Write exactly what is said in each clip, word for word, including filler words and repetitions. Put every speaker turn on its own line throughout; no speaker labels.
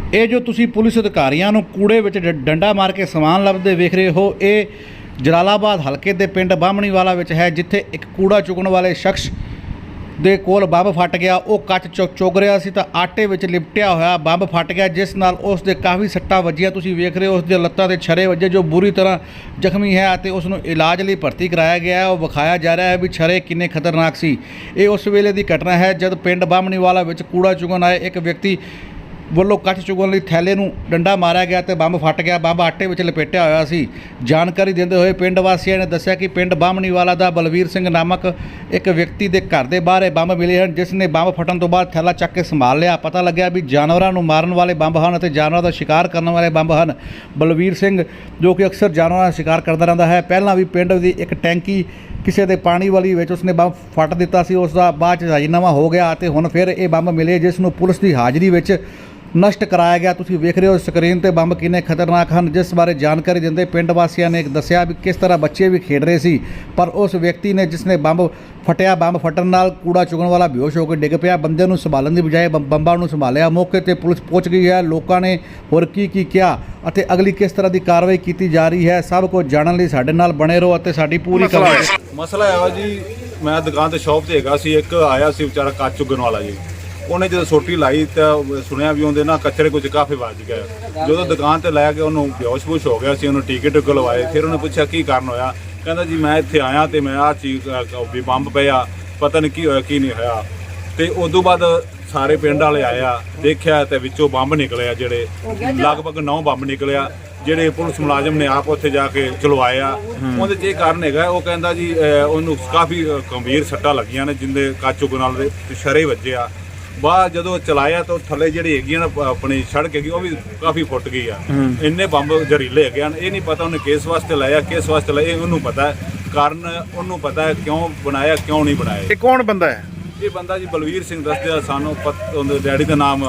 ਇਹ ਜੋ ਤੁਸੀਂ ਪੁਲਿਸ ਅਧਿਕਾਰੀਆਂ ਨੂੰ ਕੂੜੇ ਵਿੱਚ ਡ- ਡੰਡਾ ਮਾਰ ਕੇ ਸਮਾਨ ਲੱਭਦੇ ਵੇਖ ਰਹੇ ਹੋ, ਇਹ ਜਲਾਲਾਬਾਦ ਹਲਕੇ ਦੇ ਪਿੰਡ ਬਾਹਮਣੀਵਾਲਾ ਵਿੱਚ ਹੈ, ਜਿੱਥੇ ਇੱਕ ਕੂੜਾ ਚੁਗਣ ਵਾਲੇ ਸ਼ਖਸ ਦੇ ਕੋਲ ਬੰਬ ਫਟ ਗਿਆ। ਉਹ ਕੱਚ ਚੁ ਚੁਗ ਰਿਹਾ ਸੀ ਤਾਂ ਆਟੇ ਵਿੱਚ ਲਿਪਟਿਆ ਹੋਇਆ ਬੰਬ ਫਟ ਗਿਆ, ਜਿਸ ਨਾਲ ਉਸ ਦੇ ਕਾਫੀ ਸੱਟਾਂ ਵੱਜੀਆਂ। ਤੁਸੀਂ ਵੇਖ ਰਹੇ ਹੋ ਉਸ ਦੀਆਂ ਲੱਤਾਂ 'ਤੇ ਛਰੇ ਵੱਜੇ, ਜੋ ਬੁਰੀ ਤਰ੍ਹਾਂ ਜ਼ਖਮੀ ਹੈ ਅਤੇ ਉਸ ਨੂੰ ਇਲਾਜ ਲਈ ਭਰਤੀ ਕਰਾਇਆ ਗਿਆ ਹੈ। ਉਹ ਵਿਖਾਇਆ ਜਾ ਰਿਹਾ ਹੈ ਵੀ ਛਰੇ ਕਿੰਨੇ ਖਤਰਨਾਕ ਸੀ। ਇਹ ਉਸ ਵੇਲੇ ਦੀ ਘਟਨਾ ਹੈ ਜਦ ਪਿੰਡ ਬਾਹਮਣੀਵਾਲਾ ਵਿੱਚ ਕੂੜਾ ਚੁਗਣ ਆਏ ਇੱਕ ਵਿਅਕਤੀ ਵੱਲੋਂ ਕੱਚ ਚੁਗਣ ਲਈ ਥੈਲੇ ਨੂੰ ਡੰਡਾ ਮਾਰਿਆ ਗਿਆ ਤੇ ਬੰਬ ਫਟ ਗਿਆ। ਬੰਬ ਆਟੇ ਵਿੱਚ ਲਪੇਟਿਆ ਹੋਇਆ ਸੀ। ਜਾਣਕਾਰੀ ਦਿੰਦੇ ਹੋਏ ਪਿੰਡ ਵਾਸੀਆਂ ਨੇ ਦੱਸਿਆ ਕਿ ਪਿੰਡ ਬਾਹਮਣੀਵਾਲਾ ਦਾ ਬਲਵੀਰ ਸਿੰਘ ਨਾਮਕ ਇੱਕ ਵਿਅਕਤੀ ਦੇ ਘਰ ਦੇ ਬਾਹਰ ਇਹ ਬੰਬ ਮਿਲੇ ਹਨ, ਜਿਸ ਨੇ ਬੰਬ ਫਟਣ ਤੋਂ ਬਾਅਦ ਥੈਲਾ ਚੱਕ ਕੇ ਸੰਭਾਲ ਲਿਆ। ਪਤਾ ਲੱਗਿਆ ਵੀ ਜਾਨਵਰਾਂ ਨੂੰ ਮਾਰਨ ਵਾਲੇ ਬੰਬ ਹਨ ਅਤੇ ਜਾਨਵਰਾਂ ਦਾ ਸ਼ਿਕਾਰ ਕਰਨ ਵਾਲੇ ਬੰਬ ਹਨ। ਬਲਵੀਰ ਸਿੰਘ ਜੋ ਕਿ ਅਕਸਰ ਜਾਨਵਰਾਂ ਦਾ ਸ਼ਿਕਾਰ ਕਰਦਾ ਰਹਿੰਦਾ ਹੈ, ਪਹਿਲਾਂ ਵੀ ਪਿੰਡ ਦੀ ਇੱਕ ਟੈਂਕੀ ਕਿਸੇ ਦੇ ਪਾਣੀ ਵਾਲੀ ਵਿੱਚ ਉਸਨੇ ਬੰਬ ਫਟ ਦਿੱਤਾ ਸੀ। ਉਸ ਦਾ ਬਾਅਦ 'ਚ ਰਾਜੀਨਾਮਾ ਹੋ ਗਿਆ ਅਤੇ ਹੁਣ ਫਿਰ ਇਹ ਬੰਬ ਮਿਲੇ, ਜਿਸ ਨੂੰ ਪੁਲਿਸ ਦੀ ਹਾਜ਼ਰੀ ਵਿੱਚ ਨਸ਼ਟ ਕਰਾਇਆ ਗਿਆ। ਤੁਸੀਂ ਵੇਖ ਰਹੇ ਹੋ ਸਕਰੀਨ ਤੇ ਬੰਬ ਕਿੰਨੇ ਖਤਰਨਾਕ ਹਨ, ਜਿਸ ਬਾਰੇ ਜਾਣਕਾਰੀ ਦਿੰਦੇ ਪਿੰਡ ਵਾਸੀਆਂ ਨੇ ਦੱਸਿਆ ਵੀ ਕਿਸ ਤਰ੍ਹਾਂ ਬੱਚੇ ਵੀ ਖੇਡ ਰਹੇ ਸੀ, ਪਰ ਉਸ ਵਿਅਕਤੀ ਨੇ ਜਿਸ ਨੇ ਬੰਬ ਫਟਿਆ, ਬੰਬ ਫਟਣ ਨਾਲ ਕੂੜਾ ਚੁਗਣ ਵਾਲਾ ਬੇਹੋਸ਼ ਹੋ ਕੇ ਡਿੱਗ ਪਿਆ। ਬੰਦੇ ਨੂੰ ਸੰਭਾਲਣ ਦੀ ਬਜਾਏ ਬੰਬ- ਬੰਬਾਂ ਨੂੰ ਸੰਭਾਲਿਆ। ਮੌਕੇ ਤੇ ਪੁਲਿਸ ਪਹੁੰਚ ਗਈ ਹੈ। ਲੋਕਾਂ ਨੇ ਹੋਰ ਕੀ ਕੀ ਕਿਹਾ ਅਤੇ ਅਗਲੀ ਕਿਸ ਤਰ੍ਹਾਂ ਦੀ ਕਾਰਵਾਈ ਕੀਤੀ ਜਾ ਰਹੀ ਹੈ, ਸਭ ਕੁਝ ਜਾਣਨ ਲਈ ਸਾਡੇ ਨਾਲ ਬਣੇ ਰਹੋ ਅਤੇ ਸਾਡੀ ਪੂਰੀ ਕਵਰੇਜ।
ਮਸਲਾ ਹੈ ਜੀ, ਮੈਂ ਦੁਕਾਨ ਤੇ ਸ਼ਾਪ ਤੇ ਹੈਗਾ ਸੀ, ਇੱਕ ਆਇਆ ਸੀ ਵਿਚਾਰਾ ਕੱਚ ਚੁਗਣ ਵਾਲਾ ਜੀ। ਉਹਨੇ ਜਦੋਂ ਸੋਟੀ ਲਾਈ ਤਾਂ ਸੁਣਿਆ ਵੀ ਉਹਦੇ ਨਾਲ ਕਚਰੇ ਕੁਝ ਕਾਫੀ ਵੱਜ ਗਏ। ਜਦੋਂ ਦੁਕਾਨ ਤੇ ਲੈ ਕੇ ਉਹਨੂੰ ਬੇਹੋਸ਼-ਬੂਸ਼ ਹੋ ਗਿਆ ਸੀ, ਉਹਨੂੰ ਟੀਕੇ ਟੁਕੇ ਲਵਾਏ। ਫਿਰ ਉਹਨੇ ਪੁੱਛਿਆ ਕੀ ਕਾਰਨ ਹੋਇਆ, ਕਹਿੰਦਾ ਜੀ ਮੈਂ ਇੱਥੇ ਆਇਆ ਤੇ ਮੈਂ ਆਹ ਚੀਜ਼ ਵੀ ਬੰਬ ਪਿਆ, ਪਤਾ ਨਹੀਂ ਕੀ ਹੋਇਆ ਕੀ ਨਹੀਂ ਹੋਇਆ। ਤੇ ਉਦੋਂ ਬਾਅਦ ਸਾਰੇ ਪਿੰਡ ਵਾਲੇ ਆਇਆ, ਦੇਖਿਆ ਤੇ ਵਿੱਚੋਂ ਬੰਬ ਨਿਕਲਿਆ, ਜਿਹੜੇ ਲਗਭਗ ਨੌ ਬੰਬ ਨਿਕਲਿਆ, ਜਿਹੜੇ ਪੁਲਿਸ ਮੁਲਾਜ਼ਮ ਨੇ ਆਪ ਉੱਥੇ ਜਾ ਕੇ ਚਲਵਾਇਆ। ਉਹਦੇ 'ਚ ਇਹ ਕਾਰਨ ਹੈਗਾ, ਉਹ ਕਹਿੰਦਾ ਜੀ ਉਹਨੂੰ ਕਾਫੀ ਗੰਭੀਰ ਸੱਟਾਂ ਲੱਗੀਆਂ ਨੇ, ਜਿੰਦੇ ਕੱਚ ਚੁਗਣ ਨਾਲ ਦੇ ਸ਼ਰੇ ਵੱਜੇ ਆ। ਬਾਅਦ ਜਦੋਂ ਚਲਾਇਆ ਤਾਂ ਥੱਲੇ ਜਿਹੜੀ ਹੈਗੀਆਂ ਨਾ ਆਪਣੀ ਸੜਕ ਹੈਗੀ ਉਹ ਵੀ ਕਾਫੀ ਫੁੱਟ ਗਈ ਆ। ਇੰਨੇ ਬੰਬ ਜ਼ਹਿਰੀਲੇ ਹੈਗੇ ਹਨ। ਇਹ ਨਹੀਂ ਪਤਾ ਉਹਨੇ ਕਿਸ ਵਾਸਤੇ ਲਾਇਆ, ਕਿਸ ਵਾਸਤੇ ਲਾਇਆ, ਇਹ ਉਹਨੂੰ ਪਤਾ ਹੈ। ਕਾਰਨ ਉਹਨੂੰ ਪਤਾ ਹੈ ਕਿਉਂ ਬਣਾਇਆ, ਕਿਉਂ ਨਹੀਂ ਬਣਾਇਆ।
ਇਹ ਕੌਣ ਬੰਦਾ ਹੈ?
ਇਹ ਬੰਦਾ ਜੀ ਬਲਵੀਰ ਸਿੰਘ ਦੱਸਦੇ ਸਾਨੂੰ, ਉਹਦੇ ਡੈਡੀ ਦਾ ਨਾਮ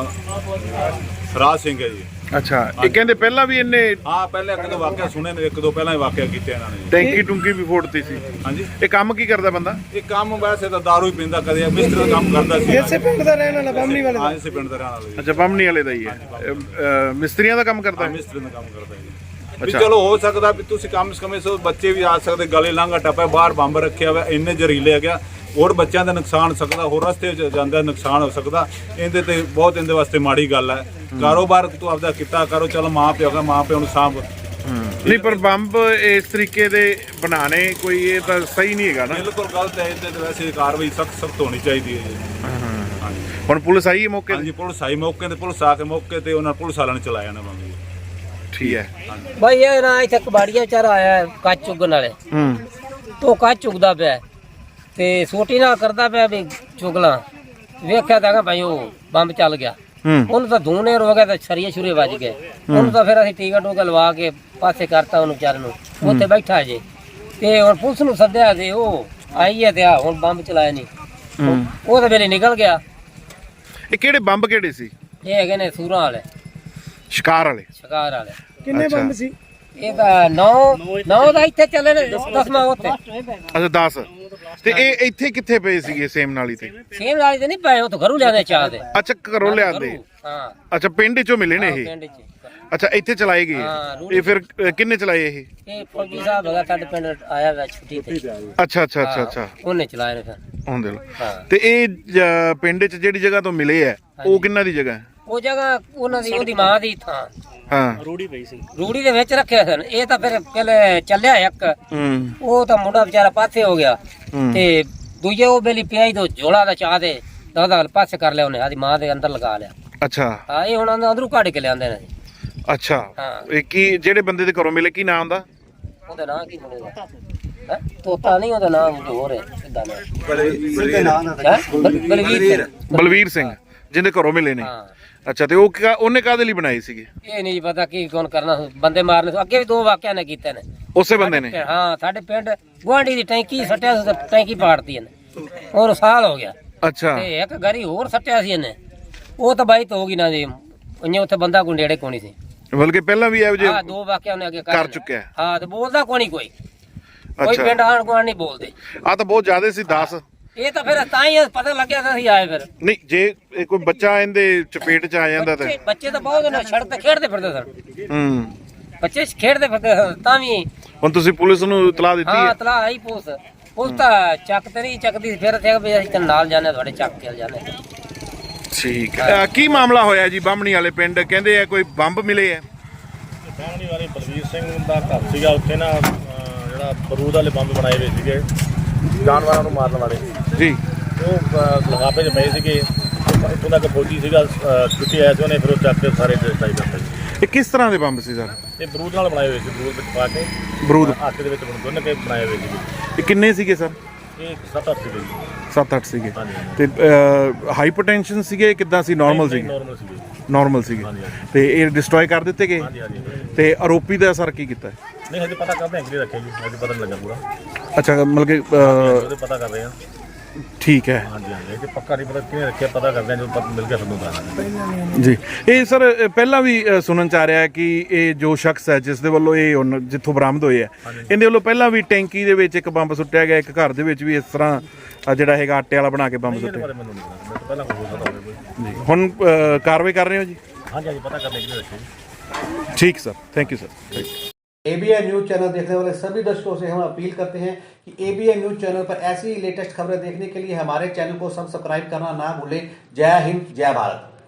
ਰਾਜ ਸਿੰਘ ਹੈ ਜੀ।
ਅੱਛਾ, ਇਹ ਕਹਿੰਦੇ ਪਹਿਲਾਂ ਵੀ ਇਹਨੇ
ਹਾਂ ਪਹਿਲਾਂ ਇੱਕ ਦੋ ਵਾਕਿਆ ਸੁਣੇ ਨੇ, ਇੱਕ ਦੋ ਪਹਿਲਾਂ ਹੀ ਵਾਕਿਆ ਕੀਤੇ ਇਹਨਾਂ ਨੇ।
ਟੈਂਕੀ ਟੁੰਕੀ ਵੀ ਫੋੜਤੀ ਸੀ।
ਹਾਂਜੀ,
ਇਹ ਕੰਮ ਕੀ ਕਰਦਾ ਬੰਦਾ?
ਇਹ ਕੰਮ ਵੈਸੇ ਤਾਂ ਦਾਰੂ ਹੀ ਪੀਂਦਾ, ਕਦੇ ਮਿਸਤਰੀ ਦਾ ਕੰਮ ਕਰਦਾ ਸੀ।
ਇਸੇ ਪਿੰਡ ਦਾ ਰਹਿਣ ਵਾਲਾ, ਬਾਹਮਣੀ ਵਾਲੇ ਦਾ।
ਹਾਂ, ਇਸੇ ਪਿੰਡ ਦਾ ਰਹਿਣ ਵਾਲਾ ਜੀ।
ਅੱਛਾ, ਬਾਹਮਣੀ ਵਾਲੇ ਦਾ ਹੀ ਹੈ। ਅਹ, ਮਿਸਤਰੀਆਂ ਦਾ ਕੰਮ ਕਰਦਾ ਹੈ?
ਮਿਸਤਰੀ ਦਾ ਕੰਮ ਕਰਦਾ ਜੀ। ਵੀ ਚਲੋ ਹੋ ਸਕਦਾ ਵੀ ਤੁਸੀਂ ਕੰਮ ਸਮੇਂ ਸੋ ਬੱਚੇ ਵੀ ਆ ਸਕਦੇ, ਗਲੇ ਲਾਂਘਾ ਟੱਪਾ, ਬਾਹਰ ਬੰਬ ਰੱਖਿਆ ਹੋਇਆ, ਇੰਨੇ ਜ਼ਹਿਰੀਲੇ ਹੈਗੇ, ਹੋਰ ਬੱਚਿਆਂ ਦਾ ਨੁਕਸਾਨ ਸਕਦਾ, ਹੋਰ ਰਸਤੇ 'ਚ ਜਾਂਦਾ ਨੁਕਸਾਨ ਹੋ ਸਕਦਾ। ਇਹਦੇ ਤੇ ਬਹੁਤ ਇਹਦੇ ਵਾਸਤੇ ਮਾੜੀ ਗੱਲ ਹੈ। ਕਾਰੋਬਾਰ ਤੂੰ ਆਪਦਾ ਕੀਤਾ ਕਰੋ, ਚਲੋ ਮਾਂ ਪਿਓ ਦਾ ਮਾਂ ਪਿਓ ਨੂੰ ਸਾਂਭ।
ਨਹੀਂ, ਪਰ ਬੰਬ ਇਸ ਤਰੀਕੇ ਦੇ ਬਣਾਣੇ ਕੋਈ ਇਹ ਤਾਂ ਸਹੀ ਨਹੀਂ ਹੈਗਾ ਨਾ।
ਬਿਲਕੁਲ ਗਲਤ ਹੈ। ਇਹਦੇ ਤੇ ਵੈਸੇ ਕਾਰਵਾਈ ਸਖਤ ਸਖਤ ਹੋਣੀ ਚਾਹੀਦੀ ਹੈ ਜੀ। ਹਾਂਜੀ,
ਹੁਣ ਪੁਲਿਸ ਆਈ ਹੈ ਮੌਕੇ ਤੇ?
ਹਾਂਜੀ, ਪੁਲਿਸ ਆਈ ਮੌਕੇ ਤੇ, ਪੁਲਿਸ ਆ ਕੇ ਮੌਕੇ ਤੇ ਉਹਨਾਂ ਪੁਲਿਸ ਵਾਲਿਆਂ ਨੇ ਚਲਾਇਆ ਨਾ ਬੰਬ।
ਠੀਕ ਹੈ
ਭਾਈ, ਇਹ ਨਾ ਇੱਥੇ ਕਬਾੜੀਆ ਵਿਚਾਰਾ ਆਇਆ ਕੱਚ ਚੁਗਣ ਵਾਲੇ,
ਹੂੰ,
ਤੋਂ ਕੱਚ ਚੁਗਦਾ ਪਿਆ ਤੇ ਸੋਟੀ ਨਾਲ ਕਰਦਾ ਪਿਆ ਵੀ ਚੁਗਲਾ। ਵੇਖਿਆ ਤਾਂ ਭਾਈ ਉਹ ਬੰਬ ਚੱਲ ਗਿਆ। ਉਹਨੂੰ ਤਾਂ ਧੂਨੇ ਹੋ ਗਿਆ, ਤਾਂ ਛਰੀਏ ਛੁਰੇ ਵੱਜ ਗਏ। ਉਹਨੂੰ ਤਾਂ ਫਿਰ ਅਸੀਂ ਟੀਕਾ ਟੂਕਾ ਲਵਾ ਕੇ ਪਾਸੇ ਕਰਤਾ ਉਹਨੂੰ ਵਿਚਾਰੇ ਨੂੰ, ਉੱਥੇ ਬੈਠਾ ਜੇ। ਤੇ ਹੁਣ ਪੁਲਿਸ ਨੂੰ ਸੱਦਿਆ ਤੇ ਉਹ ਆਈ ਹੈ ਤੇ ਆ ਹੁਣ ਬੰਬ ਚਲਾਇਆ ਨਹੀਂ। ਉਹ ਤਾਂ ਵੇਲੇ ਨਿਕਲ ਗਿਆ।
ਇਹ ਕਿਹੜੇ ਬੰਬ ਕਿਹੜੇ ਸੀ?
ਇਹ ਹੈਗੇ ਨੇ ਸੂਰਾਂ ਵਾਲੇ,
ਸ਼ਿਕਾਰ ਵਾਲੇ,
ਸ਼ਿਕਾਰ ਵਾਲੇ।
ਕਿੰਨੇ ਬੰਬ ਸੀ?
ਇਹ ਤਾਂ ਨੌ ਨੌ ਦਾ ਇੱਥੇ ਚੱਲੇ ਨੇ, ਦਸਵਾਂ ਉੱਥੇ।
ਅੱਛਾ, ਦਸ। ਤੇ ਇਹ ਇੱਥੇ ਕਿੱਥੇ ਪਏ ਸੀਗੇ? ਸੇਮ ਨਾਲੀ ਤੇ?
ਸੇਮ ਨਾਲੀ ਤੇ ਨਹੀਂ ਪਏ, ਉਹ ਤਾਂ ਘਰੋਂ ਲਿਆਦੇ ਚਾਹ ਦੇ।
ਅੱਛਾ, ਘਰੋਂ ਲਿਆਂਦੇ।
ਹਾਂ,
ਅੱਛਾ, ਪਿੰਡ ਚੋਂ ਮਿਲੇ ਨੇ ਇਹ?
ਪਿੰਡ ਚ।
ਅੱਛਾ, ਇੱਥੇ ਚਲਾਏ ਗਏ। ਇਹ ਫਿਰ ਅ, ਕਿੰਨੇ ਚਲਾਏ ਇਹ?
ਇਹ ਫੌਜੀ ਸਾਹਿਬ ਹੈਗਾ ਸਾਡੇ ਪਿੰਡ ਆਇਆ ਵਾ ਛੁੱਟੀ ਤੇ।
ਅੱਛਾ ਅੱਛਾ ਅੱਛਾ ਅੱਛਾ,
ਉਹਨੇ ਚਲਾਏ ਨੇ ਫਿਰ।
ਹੁੰਦੇ ਲੋ।
ਹਾਂ,
ਤੇ ਇਹ ਜ- ਪਿੰਡ 'ਚ ਜਿਹੜੀ ਜਗ੍ਹਾ ਤੋਂ ਮਿਲੇ ਆ, ਉਹ ਕਿੰਨਾ ਦੀ ਜਗ੍ਹਾ ਹੈ?
ਉਹ ਜਗ੍ਹਾ ਉਹਨਾਂ ਦੀ, ਉਹਦੀ ਮਾਂ ਦੀ ਥਾਂ।
ਹਾਂ,
ਰੂੜੀ ਦੇ ਵਿੱਚ ਰੱਖਿਆ ਸਨ। ਇਹ ਤਾਂ ਫਿਰ ਪਹਿਲੇ ਚੱਲਿਆ ਇੱਕ,
ਹੂੰ,
ਉਹ ਤਾਂ ਮੁੰਡਾ ਵਿਚਾਰਾ ਪਾਸੇ ਹੋ ਗਿਆ ਤੇ ਦੂਜੇ ਉਹ ਬੇਲੀ ਪਿਆਈ ਤੋਂ ਝੋਲਾ ਦਾ ਚਾਹ ਦੇ ਦਾਦਾ ਪਾਸੇ ਕਰ ਲਿਆ ਉਹਨੇ, ਆਦੀ ਮਾਂ ਦੇ ਅੰਦਰ ਲਗਾ ਲਿਆ।
ਅੱਛਾ।
ਹਾਂ, ਇਹ ਹੁਣ ਅੰਦਰੋਂ ਕੱਢ ਕੇ ਲਿਆਂਦੇ ਨੇ।
ਅੱਛਾ,
ਹਾਂ।
ਇਹ ਕੀ ਜਿਹੜੇ ਬੰਦੇ ਦੇ ਘਰੋਂ ਮਿਲੇ, ਕੀ ਨਾਮ ਦਾ?
ਉਹਦਾ ਨਾਂ ਕੀ ਬਣੇਗਾ? ਹੈ ਤੋਤਾ ਨਹੀਂ, ਉਹਦਾ ਨਾਮ ਹੋਰ ਹੈ। ਕਿੱਦਾਂ ਦਾ? ਬਲਵੀਰ।
ਬਲਵੀਰ ਸਿੰਘ, ਜਿਹਦੇ ਘਰੋਂ ਮਿਲੇ ਨੇ।
ਹਾਂ।
ਅੱਛਾ, ਤੇ ਉਹ ਕਿਆ- ਉਹਨੇ ਕਾਹਦੇ ਲਈ ਬਣਾਈ ਸੀਗੀ?
ਇਹ ਨਹੀਂ ਪਤਾ ਕੀ ਕੌਣ ਕਰਨਾ, ਬੰਦੇ ਮਾਰਨੇ। ਅੱਗੇ ਵੀ ਦੋ ਵਾਕਿਆ ਨੇ ਕੀਤੇ ਨੇ
ਉਸੇ ਬੰਦੇ ਨੇ?
ਹਾਂ, ਸਾਡੇ ਪਿੰਡ ਗੁਆਂਢੀ ਦੀ ਟੈਂਕੀ ਸੱਟਿਆ ਸੀ, ਟੈਂਕੀ ਪਾੜਤੀ ਇਹਨੇ, ਹੋਰ ਸਾਲ ਹੋ ਗਿਆ।
ਅੱਛਾ।
ਤੇ ਇੱਕ ਗਰੀ ਹੋਰ ਸੱਟਿਆ ਸੀ ਇਹਨੇ, ਉਹ ਤਾਂ ਬਾਈ ਹੋ ਗਈ ਨਾ ਜੀ। ਉਹਨੇ ਉੱਥੇ ਬੰਦਾ ਕੋਈ ਨੇੜੇ ਕੋਣੀ ਸੀ,
ਬਲਕਿ ਪਹਿਲਾਂ ਵੀ ਇਹੋ ਜਿਹੇ
ਹਾਂ ਦੋ ਵਾਕਿਆ ਉਹਨੇ ਅੱਗੇ
ਕਰ ਚੁੱਕਿਆ।
ਹਾਂ, ਤੇ ਬੋਲਦਾ ਕੋਣੀ ਕੋਈ, ਕੋਈ
ਅੱਛਾ।
ਪਿੰਡ ਆਣ ਗੁਆਂਢ ਨਹੀਂ ਬੋਲਦੇ।
ਆ ਤਾਂ ਬਹੁਤ ਜ਼ਿਆਦਾ ਸੀ, ਦਸ।
ਇਹ ਤਾਂ ਫਿਰ ਤਾਂ ਹੀ ਪਤਾ ਲੱਗਿਆ ਤਾਂ ਅਸੀਂ ਆਏ ਫਿਰ
ਨਹੀਂ ਜੇ ਇਹ ਕੋਈ ਬੱਚਾ ਇਹਦੇ ਚਪੇਟ ਚ ਆ ਜਾਂਦਾ ਤਾਂ
ਬੱਚੇ- ਬੱਚੇ ਤਾਂ ਬਹੁਤ ਨੇ ਸੜਕ ਤੇ ਖੇਡਦੇ ਫਿਰਦੇ ਸਨ
ਹੂੰ
ਬੱਚੇ ਖੇਡਦੇ ਫਿਰਦੇ ਸਨ ਤਾਂ ਵੀ
ਹੁਣ ਤੁਸੀਂ ਪੁਲਿਸ ਨੂੰ ਇਤਲਾਹ ਦਿੱਤੀ
ਹਾਂ
ਹੈ
ਤਲਾ ਆਈ ਪੁਲਿਸ ਪੁਲਿਸ ਤਾਂ ਚੱਕ ਤੇ ਨਹੀਂ ਚੱਕਦੀ ਫਿਰ ਤੇ ਵੀ ਅਸੀਂ ਤਾਂ ਨਾਲ ਜਾਣੇ ਤੁਹਾਡੇ ਚੱਕ ਕੇ ਜਾਣੇ
ਠੀਕ ਹੈ ਅਹ ਕੀ ਮਾਮਲਾ ਹੋਇਆ ਜੀ ਬਾਹਮਣੀ ਵਾਲੇ ਪਿੰਡ ਕਹਿੰਦੇ ਆ ਕੋਈ ਬੰਬ ਮਿਲੇ ਆ
ਬਾਹਮਣੀ ਵਾਲੇ ਬਲਵੀਰ ਸਿੰਘ ਦਾ ਘਰ ਸੀਗਾ ਉੱਥੇ ਨਾ ਅਹ ਜਿਹੜਾ ਬਰੂਦ ਵਾਲੇ ਬੰਬ ਬਣਾਏ ਹੋਏ ਸੀਗੇ ਜਾਨਵਰਾਂ ਨੂੰ ਮਾਰਨ ਵਾਲੇ
ਜੀ
ਉਹ ਅਹ, ਲਿਫਾਫੇ 'ਚ ਪਏ ਸੀਗੇ ਇੱਥੋਂ ਦਾ ਇੱਕ ਫੌਜੀ ਸੀਗਾ ਅਹ, ਛੁੱਟੀ ਆਇਆ ਸੀ ਉਹਨੇ ਫਿਰ ਉਹ ਚੱਕ ਕੇ ਸਾਰੇ ਡਿਸਟ੍ਰਾਈ ਕਰਤੇ
ਇਹ ਕਿਸ ਤਰ੍ਹਾਂ ਦੇ ਬੰਬ ਸੀ ਸਰ
ਇਹ ਬਰੂਦ ਨਾਲ ਬਣਾਏ ਹੋਏ ਸੀ ਬਰੂਦ ਵਿੱਚ ਪਾ ਕੇ
ਬਰੂਦ
ਆਟੇ ਦੇ ਵਿੱਚ ਗੁੰਨ ਕੇ ਬਣਾਏ ਹੋਏ ਸੀਗੇ
ਇਹ ਕਿੰਨੇ ਸੀਗੇ ਸਰ
ਇਹ ਸੱਤ ਅੱਠ ਸੀਗੇ ਜੀ
ਸੱਤ ਅੱਠ ਸੀਗੇ
ਹਾਂਜੀ,
ਤੇ ਹਾਈਪਰਟੈਂਸ਼ਨ ਸੀਗੇ ਕਿੱਦਾਂ ਸੀ ਨਾਰਮਲ ਸੀਗੇ
ਨੋਰਮਲ ਸੀਗੇ
ਨਾਰਮਲ ਸੀਗੇ
ਹਾਂਜੀ, ਹਾਂਜੀ।
ਤੇ ਇਹ ਡਿਸਟਰੋਏ ਕਰ ਦਿੱਤੇ ਗਏ
ਹਾਂਜੀ ਹਾਂਜੀ
ਤੇ ਆਰੋਪੀ ਦਾ ਸਰ ਕੀ ਕੀਤਾ
ਨਹੀਂ ਹਜੇ ਪਤਾ ਕਰਦੇ ਹਾਂ ਕਿਹੜੇ ਰੱਖੇ ਜੀ ਹਜੇ ਪਤਾ ਨਹੀਂ ਲੱਗਾ ਪੂਰਾ
ਅੱਛਾ ਮਤਲਬ ਕਿ ਅਹ,
ਉਹਦੇ ਪਤਾ ਕਰ ਰਹੇ ਹਾਂ
ਠੀਕ ਹੈ
ਹਾਂਜੀ ਹਾਂਜੀ ਇਹ ਪੱਕਾ ਨਹੀਂ ਪਤਾ ਕਿਹਨੇ ਰੱਖਿਆ ਪਤਾ ਕਰਦੇ ਹਾਂ ਜਦੋਂ ਪਤਾ ਮਿਲ ਗਿਆ ਤੁਹਾਨੂੰ ਦੱਸਾਂਗੇ
ਜੀ ਇਹ ਸਰ ਅ, ਪਹਿਲਾਂ ਵੀ ਅ, ਸੁਣਨ ਚ ਆ ਰਿਹਾ ਹੈ ਕਿ ਇਹ ਜੋ ਸ਼ਖਸ ਹੈ ਜਿਸ ਦੇ ਵੱਲੋਂ ਇਹ ਹੁਣ ਜਿੱਥੋਂ ਬਰਾਮਦ ਹੋਏ ਆ ਇਹਦੇ ਵੱਲੋਂ ਪਹਿਲਾਂ ਵੀ ਟੈਂਕੀ ਦੇ ਵਿੱਚ ਇੱਕ ਬੰਬ ਸੁੱਟਿਆ ਗਿਆ ਇੱਕ ਘਰ ਦੇ ਵਿੱਚ ਵੀ ਇਸ ਤਰ੍ਹਾਂ ਅ, ਜਿਹੜਾ ਹੈਗਾ ਆਟੇ ਵਾਲਾ ਬਣਾ ਕੇ ਬੰਬ
ਇਹਦੇ
ਸੁੱਟਿਆ
ਬਾਰੇ ਮੈਨੂੰ ਨਹੀਂ ਪਤਾ ਮੈਨੂੰ ਪਹਿਲਾਂ ਕੋਈ ਹੋ ਸਕਦਾ ਹੋਵੇ ਕੋਈ
ਜੀ ਹੁਣ ਅ, ਕਾਰਵਾਈ ਕਰ ਰਹੇ ਹੋ ਜੀ
ਹਾਂਜੀ ਹਾਂਜੀ ਪਤਾ ਕਰਨੇ ਕਿਹਨੇ ਰੱਖੇ ਜੀ
ठीक sir thank you sir
ABN news channel देखने वाले सभी दर्शकों से हम अपील करते हैं कि एबीएन न्यूज चैनल पर ऐसी लेटेस्ट खबरें देखने के लिए हमारे चैनल को सब्सक्राइब करना ना भूलें। जय हिंद, जय भारत।